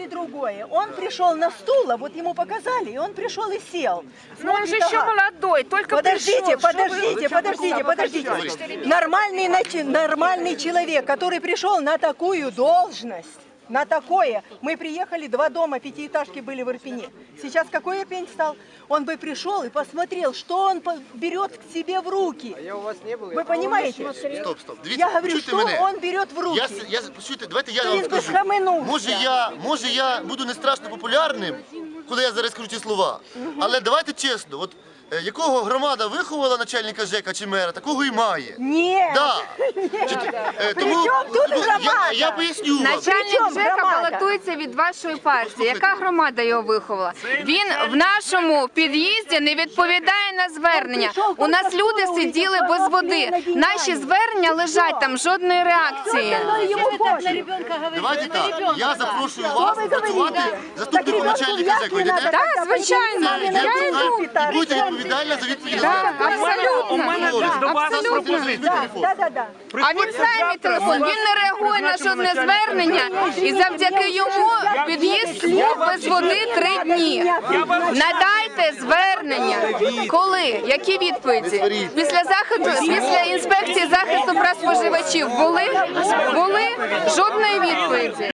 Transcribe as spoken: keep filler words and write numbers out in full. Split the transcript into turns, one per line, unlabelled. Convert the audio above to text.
и другое. Он пришел на стул, а вот ему показали, и он пришел и сел.
Но он же еще молодой, только
Подождите,
пришел.
подождите, подождите, подождите. Нормальный, начи- нормальный человек, который пришел на такую должность, на такое. Мы приехали, два дома, пятиэтажки были в Ирпене. Сейчас какой Ирпень стал? Он бы пришел и посмотрел, что он по- берет к себе в руки.
А я у вас не был.
Вы понимаете?
Стоп, стоп. Дивіться,
Я говорю,
почуйте
что
мене.
он берет в руки.
Я, с- я, почуйте, давайте я
Він
вам
би
скажу.
схаменувся.
Може я, може я буду не страшно популярним, коли я зараз кажу ці слова, але давайте чесно, от е, якого громада виховала начальника ЖЕКа чи мера, такого і має.
Нет.
Да. Чуєте, е,
При чому тут
тому
громада?
я, я поясню вам.
Начальник
Причому
ЖЕКа
громада?
балотується від вашої партії. Яка громада його виховала? Він в нашому під'їзді не відповідає на звернення. У нас люди сиділи без води. Наші звернення лежать там, жодної реакції.
Ему пофиг.
Давайте так, я запрошую вас
ви
працювати
говорите?
заступником
Так,
начальника
як
ЖЕКу.
не
Йдете?
надо?
Так, звичайно.
Це,
Я
я
йду.
і будете відповідальна за відповідь.
Так, абсолютно.
У мене до вас пропозиція.
Да, да, да.
А він сам телефон, він не реагує на жодне звернення, і завдяки йому під'їзд слуг без води три дні. Надайте звернення. Коли? Які відповіді? Після заходу, після інспекції захисту прав споживачів були? Були? Жодної відповіді.